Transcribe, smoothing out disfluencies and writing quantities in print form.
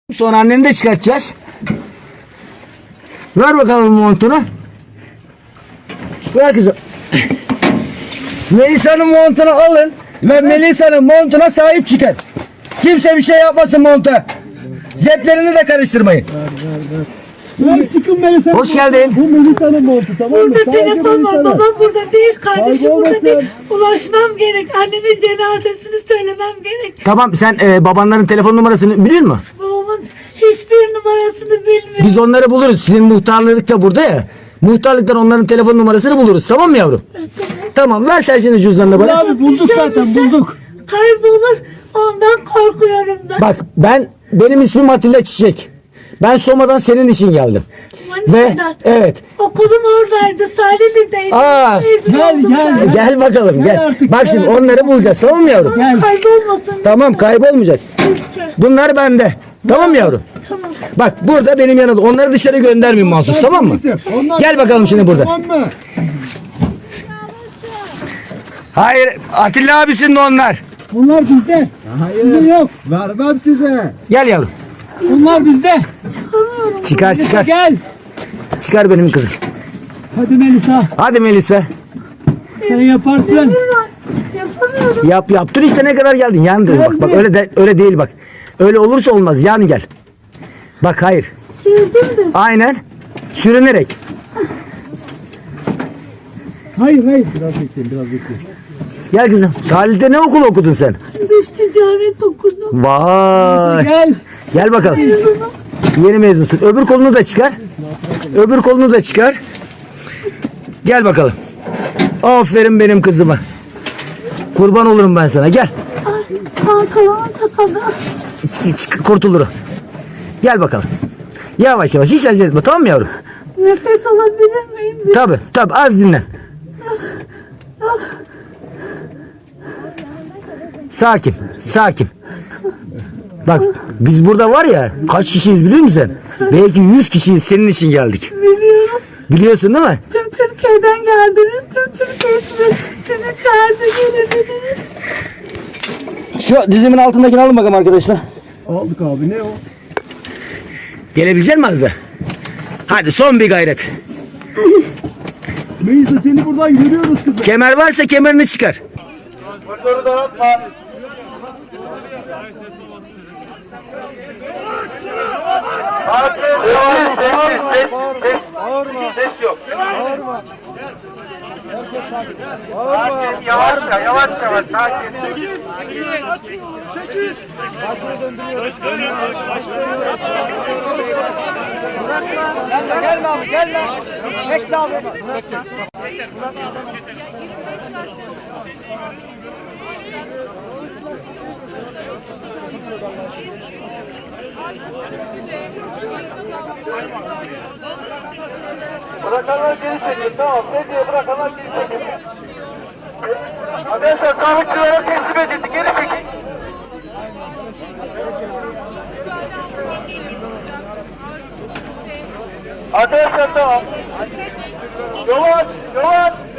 Sonra anneni de çıkartacağız. Ver bakalım montunu. Ver kızım. Melisa'nın montunu alın ve Melisa'nın montuna sahip çıkın. Kimse bir şey yapmasın monta. Ceplerini de karıştırmayın. Çıkın Melisa. Hoş geldin. Bu Melisa'nın montu, tamam mı? Burada telefon var. Babam burada değil. Kardeşim Kaybol burada değil. bakayım. Ulaşmam gerek. Annemin cenazesini söylemem gerek. Tamam, sen babanların telefon numarasını biliyor musun? Babamın hiçbir numarasını bilmiyorum. Biz onları buluruz. Sizin muhtarlık da burada ya. Muhtarlıktan onların telefon numarasını buluruz. Tamam mı yavrum? Tamam, ver sen şimdi cüzdanını bana. Abi bulduk zaten, bulduk. Kaybolur. Ondan korkuyorum ben. Bak, benim ismim Atilla Çiçek. Ben Soma'dan senin için geldim. Ve Manisa'dan. evet. Okulum oradaydı. Salihli'deydi. Aa, gel. Gel bakalım, Gel gel. artık, Bak gel şimdi artık. onları bulacağız, tamam mı yavrum? Gel. Kaybolmasın. Tamam, kaybolmayacak. Lütfen. Bunlar bende. Tamam mı yavrum? Tamam. Bak, burada benim yanımda. Onları dışarı göndermeyin mahsus, tamam mı? Onlar- Gel bakalım şimdi burada. Tamam mı? Hayır, Atilla abisinin de onlar. Bunlar bizde. Sizde yok. Vermem size. Gel yavrum. Bunlar bizde. Çıkamıyorum. Çıkar, çıkar. Gel. Çıkar benim kızım. Hadi Melisa. Hadi Melisa. Sen yaparsın. Yapamıyorum. Yaptın işte, ne kadar geldin. Yan dur bak. Bak öyle değil bak. Öyle olursa olmaz. Yan gel. Bak, hayır. Sürdüm de. Aynen. Sürünerek. Hayır. Biraz bekleyin. Gel kızım. Salih'te ne okul okudun sen? Dış ticaret okudum. Vay. Gel. Gel bakalım. Mezunum. Yeni mezunsun. Öbür kolunu da çıkar. Öbür kolunu da çıkar. Gel bakalım. Aferin benim kızıma. Kurban olurum ben sana. Gel. Ay, pantolonum takıldı. Kurtulur o. Gel bakalım. Yavaş yavaş. Hiç acele etme. Tamam mı yavrum? Nefes alabilir miyim? Tabii. Az dinlen. Sakin. Bak, biz burada var ya, kaç kişiyiz biliyor musun sen? Belki 100 kişiyiz, senin için geldik. Biliyorum. Biliyorsun değil mi? Tüm Türkiye'den geldiniz. Tüm Türkiye sizi çağırdı, gelin dediniz. Şu dizimin altındakini alın bakalım arkadaşlar. Aldık abi, ne o? Gelebilecek misin Azra? Hadi son bir gayret. Melisa, seni buradan görüyoruz kızım. Kemer varsa kemerini çıkar. Ses yok. Sakin, yavaş, sakin. Çekil. Başını döndürüyoruz. Gelme abi, gel lan. Bekle abi. Bırakanlar geri çekin, tamam. Sedye bırakanlar geri çekin. Arkadaşlar sağlıkçılara teslim edildi, geri çekin. Arkadaşlar tamam. Yavaş.